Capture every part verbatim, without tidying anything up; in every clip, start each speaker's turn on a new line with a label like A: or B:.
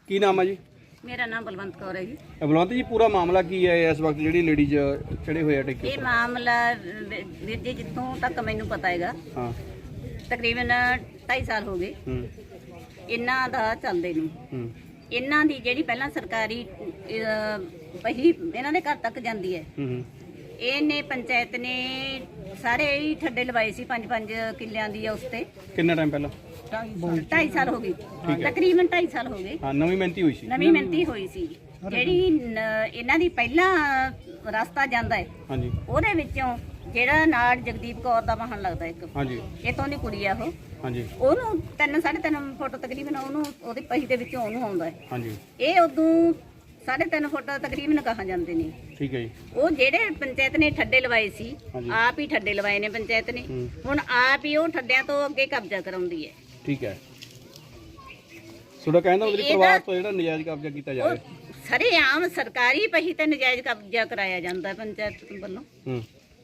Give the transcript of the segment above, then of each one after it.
A: ਕੀ ਨਾਮ ਹੈ ਜੀ?
B: मेरा नाम बलवंत कौर है जी।
A: ਬਲਵੰਤ ਜੀ, ਪੂਰਾ ਮਾਮਲਾ ਕੀ ਹੈ ਇਸ ਵਕਤ ਜਿਹੜੀ ਲੇਡੀਜ਼ ਚੜੇ ਹੋਏ ਆ ਟਿੱਕੇ?
B: ਇਹ ਮਾਮਲਾ ਵੀਰ ਜੀ ਜਿੱਥੋਂ ਤੱਕ ਮੈਨੂੰ ਪਤਾ ਹੈਗਾ
A: ਹਾਂ।
B: ਤਕਰੀਬਨ ਢਾਈ ਸਾਲ ਹੋ ਗਏ
A: ਹੂੰ
B: ਇਹਨਾਂ ਦਾ ਚੱਲਦੇ ਨੂੰ।
A: ਹੂੰ
B: ਇਹਨਾਂ ਦੀ ਜਿਹੜੀ ਪਹਿਲਾਂ ਸਰਕਾਰੀ ਅਹ, ਪਹੀ ਇਹਨਾਂ ਦੇ ਘਰ ਤੱਕ ਜਾਂਦੀ ਹੈ।
A: ਹੂੰ
B: ਇਹਨੇ ਪੰਚਾਇਤ ਨੇ ਸਾਰੇ ਹੀ ਠੱਡੇ ਲਵਾਏ ਸੀ ਪੰਜ ਪੰਜ ਕਿੱਲਿਆਂ ਦੀ ਉਸ ਤੇ।
A: ਕਿੰਨਾ ਟਾਈਮ ਪਹਿਲਾਂ?
B: ਢਾਈ ਸਾਲ ਹੋ ਗਏ, ਤਕਰੀਬਨ ਢਾਈ ਸਾਲ ਹੋ ਗਏ।
A: ਹਾਂ, ਨਵੀਂ ਮਿਹਨਤੀ ਹੋਈ ਸੀ।
B: ਨਵੀਂ ਮਿਹਨਤੀ ਹੋਈ ਸੀ ਜਿਹੜੀ ਨ- ਇਹਨਾਂ ਦੀ ਪਹਿਲਾਂ ਰਸਤਾ ਜਾਂਦਾ ਹੈ।
A: ਹਾਂਜੀ
B: ਉਹਦੇ ਵਿੱਚੋਂ ਜਿਹੜਾ ਨਾਲ ਜਗਦੀਪ ਕੌਰ ਦਾ ਵਾਹਨ ਲੱਗਦਾ ਇੱਕ,
A: ਹਾਂਜੀ
B: ਇਤੋਂ ਦੀ ਕੁੜੀ ਆ ਉਹ,
A: ਹਾਂਜੀ
B: ਉਹਨੂੰ ਤਿੰਨ ਸਾਢੇ ਤਿੰਨ ਫੁੱਟ ਤਕਰੀਬਨ ਉਹਨੂੰ ਉਹਦੇ ਪਹੀ ਦੇ ਵਿੱਚੋਂ ਉਹਨੂੰ ਆਉਂਦਾ ਹੈ।
A: ਹਾਂਜੀ
B: ਇਹ ਉਦੋਂ ਸਾਢੇ ਤਿੰਨ ਫੁੱਟ ਤਕਰੀਬਨ ਕਹਾ ਜਾਂਦੇ ਨੇ।
A: ਠੀਕ ਹੈ ਜੀ।
B: ਉਹ ਜਿਹੜੇ ਪੰਚਾਇਤ ਨੇ ਠੱਡੇ ਲਵਾਏ ਸੀ,
A: ਹਾਂਜੀ।
B: ਆਪ ਹੀ ਠੱਡੇ ਲਵਾਏ ਨੇ ਪੰਚਾਇਤ ਨੇ।
A: ਹੂੰ।
B: ਹੁਣ ਆਪ ਹੀ ਉਹ ਠੱਡਿਆਂ ਤੋਂ ਅੱਗੇ ਕਬਜ਼ਾ ਕਰਾਉਂਦੀ ਹੈ।
A: ਠੀਕ ਹੈ। ਤੁਹਾਡਾ ਕਹਿੰਦਾ ਉਹਦੇ
B: ਇਹਦਾ-
A: ਪਰਿਵਾਰ ਤੋਂ ਜਿਹੜਾ ਨਜਾਇਜ਼ ਕਬਜ਼ਾ ਕੀਤਾ ਜਾ
B: ਉਹ
A: ਰਿਹਾ।
B: ਸਰੇਆਮ ਸਰਕਾਰੀ ਪਹੀ ਤੇ ਨਜਾਇਜ਼ ਕਬਜ਼ਾ ਕਰਾਇਆ ਜਾਂਦਾ ਹੈ ਪੰਚਾਇਤ ਵੱਲੋਂ।
A: ਹੂੰ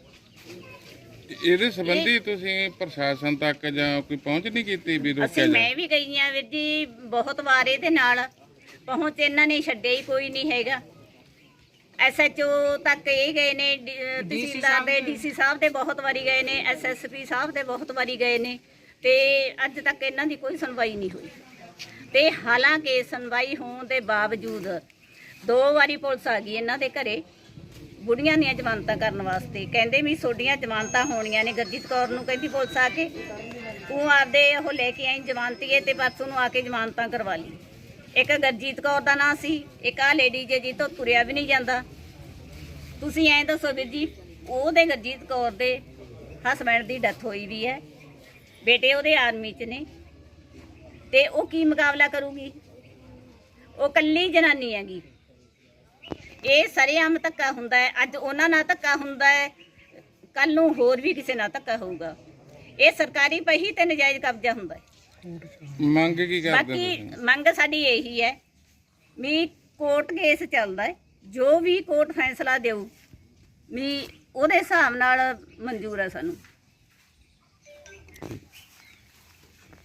C: ਇਹਦੇ ਸੰਬੰਧੀ ਤੁਸੀਂ ਪ੍ਰਸ਼ਾਸਨ ਤੱਕ ਜਾਂ ਕੋਈ ਪਹੁੰਚ ਨਹੀਂ ਕੀਤੀ ਵੀ ਰੋਕਿਆ
B: ਅਸੀਂ
C: ਜਾ?
B: ਮੈਂ ਵੀ ਗਈ ਆ ਵੀਰ ਜੀ ਬਹੁਤ ਵਾਰ ਇਹਦੇ ਨਾਲ ਪਹੁੰਚ ਇਹਨਾਂ ਨੇ ਛੱਡਿਆ ਹੀ ਕੋਈ ਨਹੀਂ ਹੈਗਾ। ਐਸਐਚਓ ਤੱਕ ਇਹ ਗਏ ਨੇ, ਡੀ- ਅਹ ਤਹਿਸੀਲਦਾਰ ਦੇ, ਡੀਸੀ ਸਾਹਿਬ ਦੇ ਬਹੁਤ ਵਾਰੀ ਗਏ ਨੇ, ਐਸਐਸਪੀ ਸਾਹਿਬ ਦੇ ਬਹੁਤ ਵਾਰੀ ਗਏ ਨੇ ਤੇ ਅੱਜ ਤੱਕ ਇਹਨਾਂ ਦੀ ਕੋਈ ਸੁਣਵਾਈ ਨਹੀਂ ਹੋਈ। ਤੇ ਹਾਲਾਂਕਿ ਸੁਣਵਾਈ ਹੋਣ ਦੇ ਬਾਵਜੂਦ ਦੋ ਵਾਰੀ ਪੁਲਿਸ ਆ ਗਈ ਇਹਨਾਂ ਦੇ ਘਰੇ ਬੁੜੀਆਂ ਦੀਆਂ ਜ਼ਮਾਨਤਾਂ ਕਰਨ ਵਾਸਤੇ। ਕਹਿੰਦੇ ਵੀ ਤੁਹਾਡੀਆਂ ਜ਼ਮਾਨਤਾਂ ਹੋਣੀਆਂ ਨੇ। ਗੁਰਜੀਤ ਕੌਰ ਨੂੰ ਕਹਿੰਦੀ ਪੁਲਿਸ ਆ ਕੇ ਤੂੰ ਆਪਦੇ ਉਹ ਲੈ ਕੇ ਆਈ ਜ਼ਮਾਨਤੀਏ ਤੇ ਪਰਸੋਂ ਨੂੰ ਆ ਕੇ ਜ਼ਮਾਨਤਾਂ ਕਰਵਾ ਲਈ। ਇੱਕ ਗੁਰਜੀਤ ਕੌਰ ਦਾ ਨਾਂ ਸੀ, ਇੱਕ ਆ ਲੇਡੀ ਜੇ ਜੀ ਤੋਂ ਤੁਰਿਆ ਵੀ ਨਹੀਂ ਜਾਂਦਾ। ਤੁਸੀਂ ਐਂ ਦੱਸੋ ਵੀਰ ਜੀ, ਉਹਦੇ ਗੁਰਜੀਤ ਕੌਰ ਦੇ ਹਸਬੈਂਡ ਦੀ ਡੈਥ ਹੋਈ ਵੀ ਹੈ, ਬੇਟੇ ਉਹਦੇ ਆਰਮੀ 'ਚ ਨੇ ਤੇ ਉਹ ਕੀ ਮੁਕਾਬਲਾ ਕਰੂਗੀ? ਉਹ ਕੱਲੀ ਜਨਾਨੀ ਹੈਗੀ। ਇਹ ਸਰੇਆਮ ਧੱਕਾ ਹੁੰਦਾ ਹੈ। ਅੱਜ ਉਹਨਾਂ ਨਾਲ ਧੱਕਾ ਹੁੰਦਾ ਹੈ, ਕੱਲ ਨੂੰ ਹੋਰ ਵੀ ਕਿਸੇ ਨਾਲ ਧੱਕਾ ਹੋਊਗਾ। ਇਹ ਸਰਕਾਰੀ ਪਹੀ ਤੇ ਨਜਾਇਜ਼ ਕਬਜ਼ਾ ਹੁੰਦਾ ਹੈ।
C: ਮੰਗ ਕੀ ਕਰਦੇ
B: ਬਾਕੀ
C: ਤੁਸੀਂ?
B: ਮੰਗ ਸਾਡੀ ਇਹੀ ਹੈ ਵੀ ਕੋਰਟ ਕੇਸ ਚੱਲਦਾ ਹੈ, ਜੋ ਵੀ ਕੋਰਟ ਫੈਸਲਾ ਦੇਊ ਵੀ ਉਹਦੇ ਹਿਸਾਬ ਨਾਲ ਮਨਜ਼ੂਰ ਹੈ ਸਾਨੂੰ।